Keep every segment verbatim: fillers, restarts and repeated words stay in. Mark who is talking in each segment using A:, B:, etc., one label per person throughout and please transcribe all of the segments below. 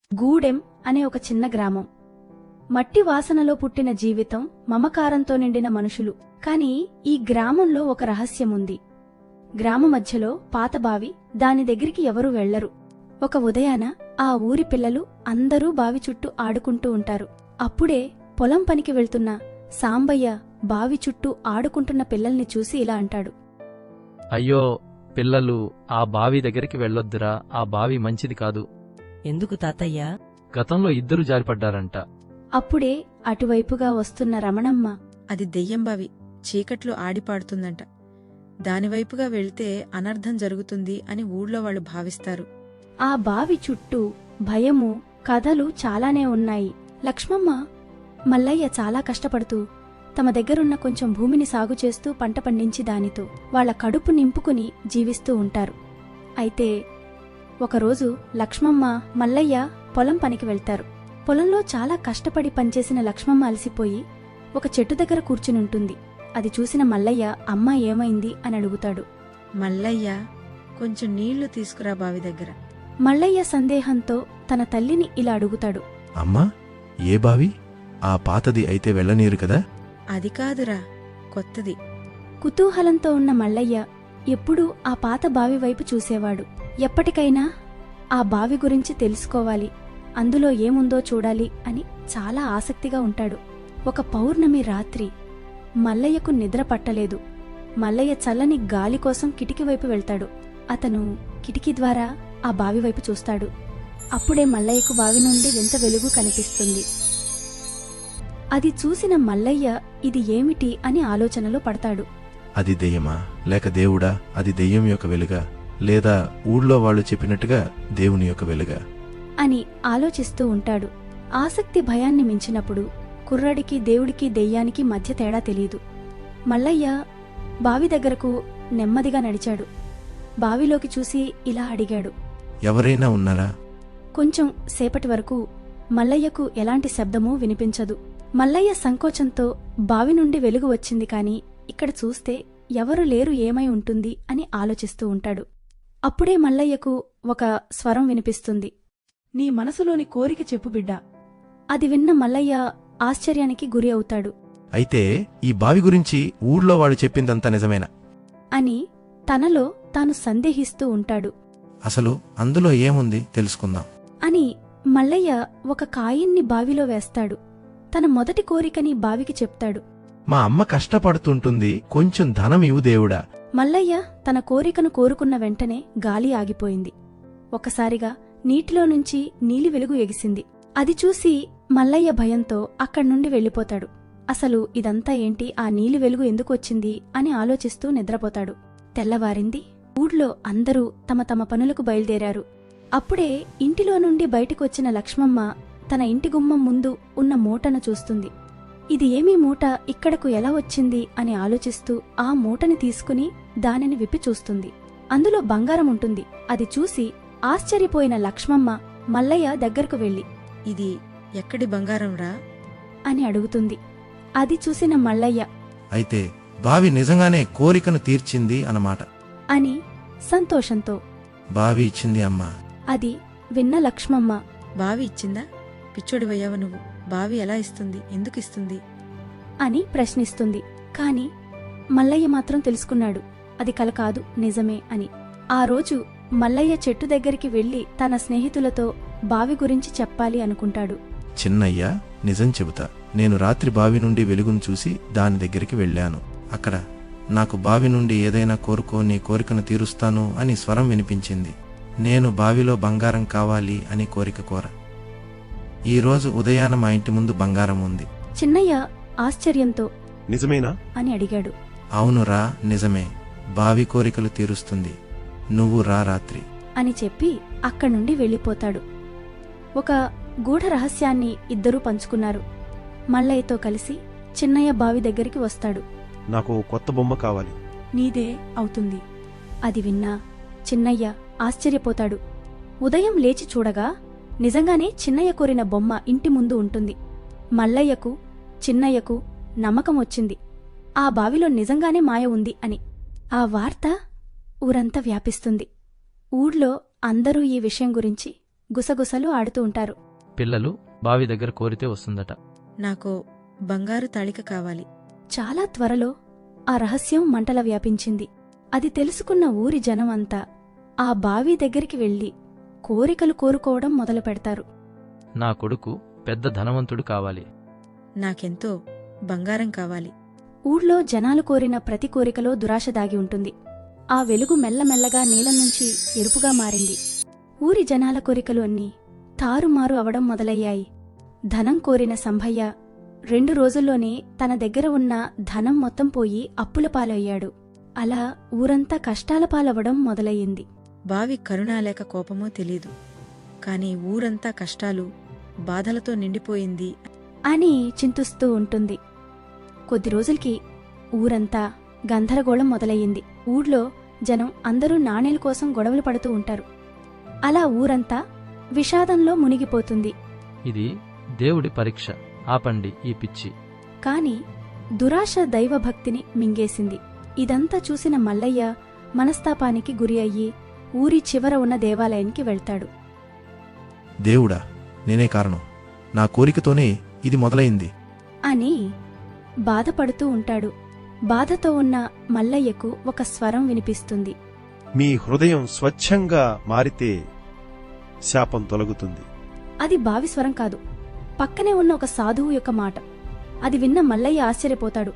A: గూడెం అనే ఒక చిన్న గ్రామం. మట్టి వాసనలో పుట్టిన జీవితం, మమకారంతో నిండిన మనుషులు. కాని ఈ గ్రామంలో ఒక రహస్యముంది. గ్రామ మధ్యలో పాత బావి, దాని దగ్గరికి ఎవరూ వెళ్లరు. ఒక ఉదయాన ఆ ఊరి పిల్లలు అందరూ బావి చుట్టూ ఆడుకుంటూ ఉంటారు. అప్పుడే పొలం పనికి వెళ్తున్న సాంబయ్య బావి చుట్టూ ఆడుకుంటున్న పిల్లల్ని చూసి ఇలా అంటాడు.
B: అయ్యో పిల్లలు, ఆ బావి దగ్గరికి వెళ్ళొద్దురా, ఆ బావి మంచిది కాదు.
C: ఎందుకు తాతయ్యా?
B: గతంలో ఇద్దరు జారిపడ్డారంట.
A: అప్పుడే అటువైపుగా వస్తున్న రమణమ్మ,
D: అది దెయ్యం బావి, చీకట్లో ఆడిపాడుతుందంట. దానివైపుగా వెళ్తే అనర్థం జరుగుతుంది అని ఊళ్ళో వాళ్ళు భావిస్తారు.
A: ఆ బావి చుట్టూ భయము, కథలు చాలానే ఉన్నాయి. లక్ష్మమ్మ, మల్లయ్య చాలా కష్టపడుతూ తమ దగ్గరున్న కొంచెం భూమిని సాగు చేస్తూ పంట పండించి దానితో వాళ్ల కడుపు నింపుకుని జీవిస్తూ ఉంటారు. అయితే ఒకరోజు లక్ష్మమ్మ, మల్లయ్య పొలం పనికి వెళ్తారు. పొలంలో చాలా కష్టపడి పనిచేసిన లక్ష్మమ్మ అలసిపోయి ఒక చెట్టు దగ్గర కూర్చునుంటుంది. అది చూసిన మల్లయ్య, అమ్మ ఏమైంది అని అడుగుతాడు.
D: మల్లయ్య, కొంచెం నీళ్లు తీసుకురా బావి దగ్గర.
A: మల్లయ్య సందేహంతో తన తల్లిని ఇలా అడుగుతాడు.
E: అమ్మా, ఏ బావి? ఆ పాతది అయితే వెళ్ళనీరు కదా?
D: అది కాదురా, కొత్తది.
A: కుతూహలంతో ఉన్న మల్లయ్య ఎప్పుడూ ఆ పాత బావి వైపు చూసేవాడు. ఎప్పటికైనా ఆ బావి గురించి తెలుసుకోవాలి, అందులో ఏముందో చూడాలి అని చాలా ఆసక్తిగా ఉంటాడు. ఒక పౌర్ణమి రాత్రి మల్లయ్యకు నిద్ర పట్టలేదు. మల్లయ్య చల్లని గాలి కోసం కిటికీ వైపు వెళ్తాడు. అతను కిటికీ ద్వారా ఆ బావి వైపు చూస్తాడు. అప్పుడే మల్లయ్యకు బావి నుండి వింత వెలుగు కనిపిస్తుంది. అది చూసిన మల్లయ్య ఇది ఏమిటి అని ఆలోచనలో పడతాడు.
E: అది దెయ్యమా, లేక దేవుడా? అది దెయ్యం యొక్క వెలుగా, లేదా ఊళ్ళో వాళ్ళు చెప్పినట్టుగా దేవుని యొక్క వెలుగా
A: అని ఆలోచిస్తూ ఉంటాడు. ఆసక్తి భయాన్ని మించినప్పుడు కుర్రాడికి దేవుడికి దెయ్యానికి మధ్య తేడా తెలీదు. మల్లయ్య బావి దగ్గరకు నెమ్మదిగా నడిచాడు. బావిలోకి చూసి ఇలా అడిగాడు.
E: ఎవరైనా ఉన్నారా?
A: కొంచెం సేపటి వరకు మల్లయ్యకు ఎలాంటి శబ్దమూ వినిపించదు. మల్లయ్య సంకోచంతో బావి నుండి వెలుగు వచ్చింది కాని ఇక్కడ చూస్తే ఎవరు లేరు, ఏమై ఉంటుంది అని ఆలోచిస్తూ ఉంటాడు. అప్పుడే మల్లయ్యకు ఒక స్వరం వినిపిస్తుంది.
F: నీ మనసులోని కోరిక చెప్పు బిడ్డా.
A: అది విన్న మల్లయ్య ఆశ్చర్యానికి గురి అవుతాడు.
E: అయితే ఈ బావి గురించి ఊళ్ళో వాళ్ళు చెప్పిందంతా నిజమేనా
A: అని తనలో తాను సందేహిస్తూ ఉంటాడు.
E: అసలు అందులో ఏముంది తెలుసుకుందాం
A: అని మల్లయ్య ఒక కాయిన్ని బావిలో వేస్తాడు. తన మొదటి కోరికని బావికి చెప్తాడు.
E: మా అమ్మ కష్టపడుతుంటుంది, కొంచెం ధనం ఇవ్వు దేవుడా.
A: మల్లయ్య తన కోరికను కోరుకున్న వెంటనే గాలి ఆగిపోయింది. ఒకసారిగా నీటిలో నుంచి నీలి వెలుగు ఎగిసింది. అది చూసి మల్లయ్య భయంతో అక్కడ్నుండి వెళ్ళిపోతాడు. అసలు ఇదంతా ఏంటి, ఆ నీలి వెలుగు ఎందుకు వచ్చింది అని ఆలోచిస్తూ నిద్రపోతాడు. తెల్లవారింది. ఊళ్ళో అందరూ తమ తమ పనులకు బయలుదేరారు. అప్పుడే ఇంటిలో నుండి బయటకొచ్చిన లక్ష్మమ్మ తన ఇంటి గుమ్మం ముందు ఉన్న మూటను చూస్తుంది. ఇది ఏమీ మూట, ఇక్కడకు ఎలా వచ్చింది అని ఆలోచిస్తూ ఆ మూటని తీసుకుని దానిని విప్పి చూస్తుంది. అందులో బంగారం ఉంటుంది. అది చూసి ఆశ్చర్యపోయిన లక్ష్మమ్మ మల్లయ్య దగ్గరకు వెళ్లి,
D: ఇది ఎక్కడి బంగారం రా
A: అని అడుగుతుంది. అది చూసిన మల్లయ్య,
E: అయితే బావి నిజంగానే కోరికను తీర్చింది అన్నమాట
A: అని సంతోషంతో,
E: బావి ఇచ్చింది అమ్మా.
A: అది విన్న లక్ష్మమ్మ,
D: బావి ఇచ్చిందా? పిచ్చోడివయ్యావ నువ్వు. బావి ఎలా ఇస్తుంది, ఎందుకు ఇస్తుంది
A: అని ప్రశ్నిస్తుంది. కాని మల్లయ్య మాత్రం తెలుసుకున్నాడు అది కల కాదు, నిజమే అని. ఆ రోజు మల్లయ్య చెట్టు దగ్గరికి వెళ్లి తన స్నేహితులతో బావి గురించి చెప్పాలి అనుకుంటాడు.
E: చిన్నయ్య, నిజం చెబుతా, నేను రాత్రి బావి నుండి వెలుగును చూసి దాని దగ్గరికి వెళ్ళాను. అక్కడ నాకు బావి నుండి ఏదైనా కోరుకో, నీ కోరికను తీరుస్తాను అని స్వరం వినిపించింది. నేను బావిలో బంగారం కావాలి అని కోరిక కోర. ఈ రోజు ఉదయాన మా ఇంటి ముందు బంగారం ఉంది.
A: చిన్నయ్య ఆశ్చర్యంతో,
G: నిజమేనా
A: అని అడిగాడు.
E: అవునురా, నిజమే. బావి కోరికలు తీరుస్తుంది. నువ్వు రా రాత్రి
A: అని చెప్పి అక్కడ్నుండి వెళ్ళిపోతాడు. ఒక గూఢ రహస్యాన్ని ఇద్దరూ పంచుకున్నారు. మల్లయ్యతో కలిసి చిన్నయ్య బావి దగ్గరికి వస్తాడు.
G: నాకు కొత్త బొమ్మ కావాలి.
F: నీదే అవుతుంది.
A: అది విన్నా చిన్నయ్య ఆశ్చర్యపోతాడు. ఉదయం లేచి చూడగా నిజంగానే చిన్నయ్య కోరిన బొమ్మ ఇంటి ముందు ఉంటుంది. మల్లయ్యకు చిన్నయ్యకు నమ్మకం వచ్చింది, ఆ బావిలో నిజంగానే మాయ ఉంది అని. ఆ వార్త ఊరంతా వ్యాపిస్తుంది. ఊళ్ళో అందరూ ఈ విషయం గురించి గుసగుసలు ఆడుతూ ఉంటారు.
B: పిల్లలు బావి దగ్గర కోరితే వస్తుందట.
D: నాకు బంగారు తాళిక కావాలి.
A: చాలా త్వరలో ఆ రహస్యం మంటల వ్యాపించింది. అది తెలుసుకున్న ఊరి జనం అంతా ఆ బావి దగ్గరికి వెళ్లి కోరికలు కోరుకోవడం మొదలు పెడతారు.
B: నా కొడుకు పెద్ద ధనవంతుడు కావాలి.
D: నాకెంతో బంగారం కావాలి.
A: ఊళ్ళో జనాలు కోరిన ప్రతి కోరికలో దురాశ దాగి ఉంటుంది. ఆ వెలుగు మెల్లమెల్లగా నీలం నుంచి ఎరుపుగా మారింది. ఊరి జనాల కోరికలు అన్నీ తారుమారు అవడం మొదలయ్యాయి. ధనం కోరిన సంభయ్య రెండు రోజుల్లోనే తన దగ్గర ఉన్న ధనం మొత్తం పోయి అప్పుల పాలయ్యాడు. అలా ఊరంతా కష్టాల పాలవడం మొదలయ్యింది.
D: బావి కరుణా లేక కోపమో తెలీదు, కాని ఊరంతా కష్టాలు బాధలతో నిండిపోయింది
A: అని చింతిస్తూ ఉంటుంది. కొద్ది రోజులకి ఊరంతా గందరగోళం మొదలయ్యింది. ఊళ్ళో జనం అందరూ నాణేల కోసం గొడవలు పడుతూ ఉంటారు. అలా ఊరంతా విషాదంలో మునిగిపోతుంది.
B: ఇది దేవుడి పరీక్ష, ఆపండి ఈ పిచ్చి.
A: కాని దురాశ దైవభక్తిని మింగేసింది. ఇదంతా చూసిన మల్లయ్య మనస్తాపానికి గురి అయ్యి ఊరి చివర ఉన్న దేవాలయానికి వెళ్తాడు.
E: దేవుడా, నేనే కారణం. నా కోరికతోనే ఇది మొదలైంది
A: అని బాధపడుతూ ఉంటాడు. బాధతో ఉన్న మల్లయ్యకు ఒక స్వరం వినిపిస్తుంది.
G: మీ హృదయం స్వచ్ఛంగా మారితే శాపం తొలగుతుంది.
A: అది బావి స్వరం కాదు, పక్కనే ఉన్న ఒక సాధువు యొక్క మాట. అది విన్న మల్లయ్య ఆశ్చర్యపోతాడు.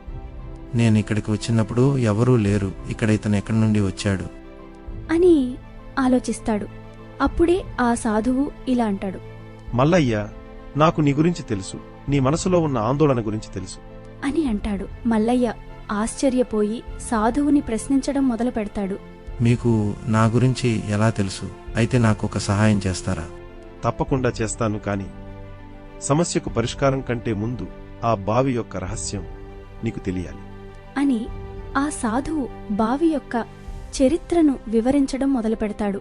E: నేను ఇక్కడికి వచ్చినప్పుడు ఎవరూ లేరు, ఇక్కడ ఇతను ఎక్కడి నుండి వచ్చాడు
A: అని ఆలోచిస్తాడు. అప్పుడే ఆ సాధువు ఇలా అంటాడు.
G: మల్లయ్య, నాకు నీ గురించి తెలుసు. నీ మనసులో ఉన్న ఆందోళన గురించి తెలుసు
A: అని అంటాడు. మల్లయ్య ఆశ్చర్యపోయి సాధువుని ప్రశ్నించడం మొదలు పెడతాడు.
E: మీకు నా గురించి ఎలా తెలుసు? అయితే నాకు ఒక సహాయం చేస్తారా?
G: తప్పకుండా చేస్తాను. కాని సమస్యకు పరిష్కారం కంటే ముందు ఆ బావి యొక్క రహస్యం నీకు తెలియాలి
A: అని ఆ సాధువు బావి యొక్క చరిత్రను వివరించడం మొదలుపెడతాడు.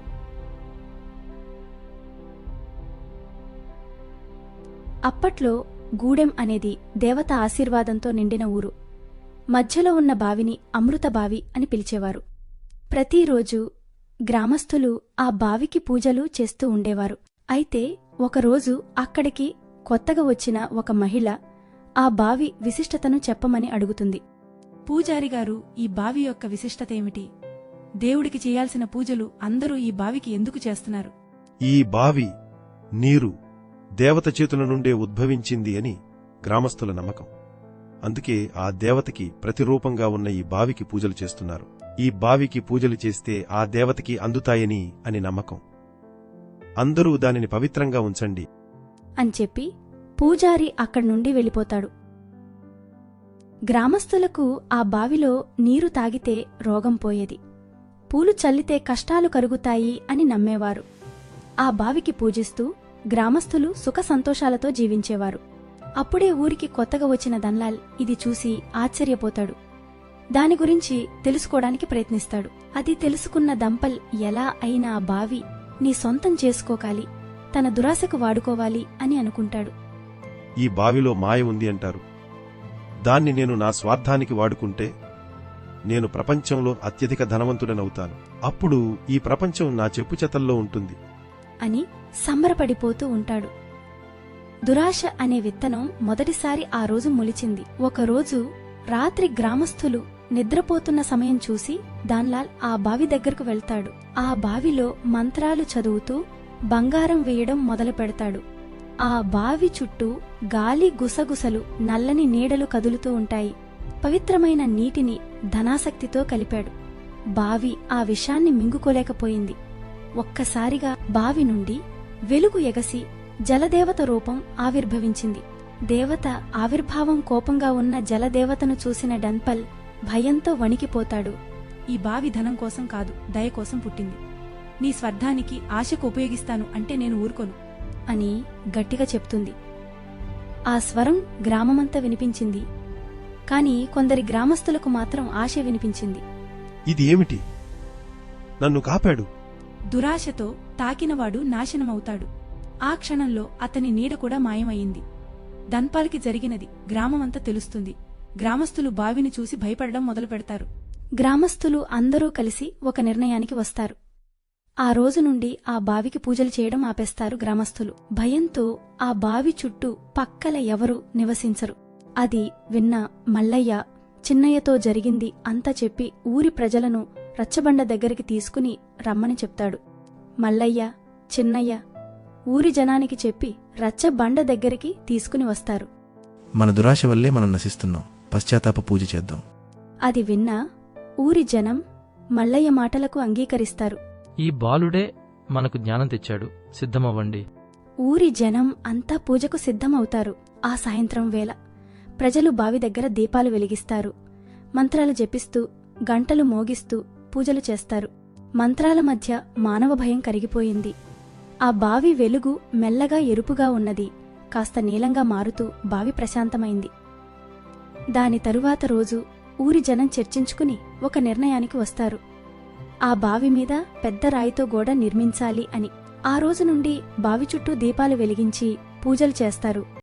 A: అప్పట్లో గూడెం అనేది దేవత ఆశీర్వాదంతో నిండిన ఊరు. మధ్యలో ఉన్న బావిని అమృత బావి అని పిలిచేవారు. ప్రతిరోజు గ్రామస్థులు ఆ బావికి పూజలు చేస్తూ ఉండేవారు. అయితే ఒకరోజు అక్కడికి కొత్తగా వచ్చిన ఒక మహిళ ఆ బావి విశిష్టతను చెప్పమని అడుగుతుంది.
F: పూజారిగారు, ఈ బావి యొక్క విశిష్టత ఏమిటి? దేవుడికి చేయాల్సిన పూజలు అందరూ ఈ బావికి ఎందుకు చేస్తున్నారు?
G: ఈ బావి నీరు దేవత చేతుల నుండే ఉద్భవించింది అని గ్రామస్తుల నమ్మకం. అందుకే ఆ దేవతకి ప్రతిరూపంగా ఉన్న ఈ బావికి పూజలు చేస్తున్నారు. ఈ బావికి పూజలు చేస్తే ఆ దేవతకి అందుతాయని అని నమ్మకం. అందరూ దానిని పవిత్రంగా ఉంచండి
A: అని చెప్పి పూజారి అక్కడి నుండి వెళ్ళిపోతాడు. గ్రామస్తులకు ఆ బావిలో నీరు తాగితే రోగం పోయేది, పూలు చల్లితే కష్టాలు కరుగుతాయి అని నమ్మేవారు. ఆ బావికి పూజిస్తూ గ్రామస్తులు సుఖ సంతోషాలతో జీవించేవారు. అప్పుడే ఊరికి కొత్తగా వచ్చిన దన్లాల్ ఇది చూసి ఆశ్చర్యపోతాడు. దాని గురించి తెలుసుకోవడానికి ప్రయత్నిస్తాడు. అది తెలుసుకున్న దంపల్ ఎలా అయినా ఆ బావి నీ సొంతం చేసుకోకాలి, తన దురాశకు వాడుకోవాలి అని అనుకుంటాడు.
G: ఈ బావిలో మాయ ఉంది అంటారు. దాన్ని నేను నా స్వార్థానికి వాడుకుంటే నేను ప్రపంచంలో అత్యధిక ధనవంతుడనవుతాను. అప్పుడు ఈ ప్రపంచం నా చెప్పుచెతల్లో ఉంటుంది
A: అని సంబరపడిపోతూ ఉంటాడు. దురాశ అనే విత్తనం మొదటిసారి ఆ రోజు మొలిచింది. ఒకరోజు రాత్రి గ్రామస్థులు నిద్రపోతున్న సమయం చూసి దాన్లాల్ ఆ బావి దగ్గరకు వెళ్తాడు. ఆ బావిలో మంత్రాలు చదువుతూ బంగారం వేయడం మొదలు పెడతాడు. ఆ బావి చుట్టూ గాలి గుసగుసలు, నల్లని నీడలు కదులుతూ ఉంటాయి. పవిత్రమైన నీటిని ధనాసక్తితో కలిపాడు. బావి ఆ విషాన్ని మింగుకోలేకపోయింది. ఒక్కసారిగా బావి నుండి వెలుగు ఎగసి జలదేవత రూపం ఆవిర్భవించింది. దేవత ఆవిర్భావం కోపంగా ఉన్న జలదేవతను చూసిన డన్పల్ భయంతో వణికిపోతాడు.
F: ఈ బావి ధనం కోసం కాదు, దయ కోసం పుట్టింది. నీ స్వార్థానికి ఆశకు ఉపయోగిస్తాను అంటే నేను ఊరుకోను
A: అని గట్టిగా చెప్తుంది. ఆ స్వరం గ్రామమంతా వినిపించింది. కాని కొందరి గ్రామస్తులకు మాత్రం ఆశ వినిపించింది.
G: ఇది ఏమిటి? నన్ను కాపాడు.
F: దురాశతో తాకినవాడు నాశనమవుతాడు. ఆ క్షణంలో అతని నీడ కూడా మాయమయ్యింది. ధన్పాల్కి జరిగినది గ్రామమంతా తెలుస్తుంది. గ్రామస్తులు బావిని చూసి భయపడడం మొదలు పెడతారు.
A: గ్రామస్తులు అందరూ కలిసి ఒక నిర్ణయానికి వస్తారు. ఆ రోజు నుండి ఆ బావికి పూజలు చేయడం ఆపేస్తారు గ్రామస్తులు. భయంతో ఆ బావి చుట్టూ పక్కల ఎవరూ నివసించరు. అది విన్న మల్లయ్య చిన్నయ్యతో జరిగింది అంతా చెప్పి ఊరి ప్రజలను రచ్చబండ దగ్గరికి తీసుకుని రమ్మని చెప్తాడు. మల్లయ్య, చిన్నయ్య ఊరి జనానికి చెప్పి రచ్చబండ దగ్గరికి తీసుకుని వస్తారు.
E: మన దురాశ వల్లే మనం నశిస్తున్నాం, పశ్చాత్తాప పూజ చేద్దాం.
A: అది విన్న ఊరి జనం మల్లయ్య మాటలకు అంగీకరిస్తారు.
B: ఈ బాలుడే మనకు జ్ఞానం తెచ్చాడు, సిద్ధమవ్వండి.
A: ఊరి జనం అంతా పూజకు సిద్ధమవుతారు. ఆ సాయంత్రం వేళ ప్రజలు బావి దగ్గర దీపాలు వెలిగిస్తారు. మంత్రాలు జపిస్తూ గంటలు మోగిస్తూ పూజలు చేస్తారు. మంత్రాల మధ్య మానవ భయం కరిగిపోయింది. ఆ బావి వెలుగు మెల్లగా ఎరుపుగా ఉన్నది. కాస్త నీలంగా మారుతూ బావి ప్రశాంతమైంది. దాని తరువాత రోజు ఊరి జనం చర్చించుకుని ఒక నిర్ణయానికి వస్తారు. ఆ బావి మీద పెద్ద రాయితో గోడ నిర్మించాలి అని. ఆ రోజు నుండి బావి చుట్టూ దీపాలు వెలిగించి పూజలు చేస్తారు.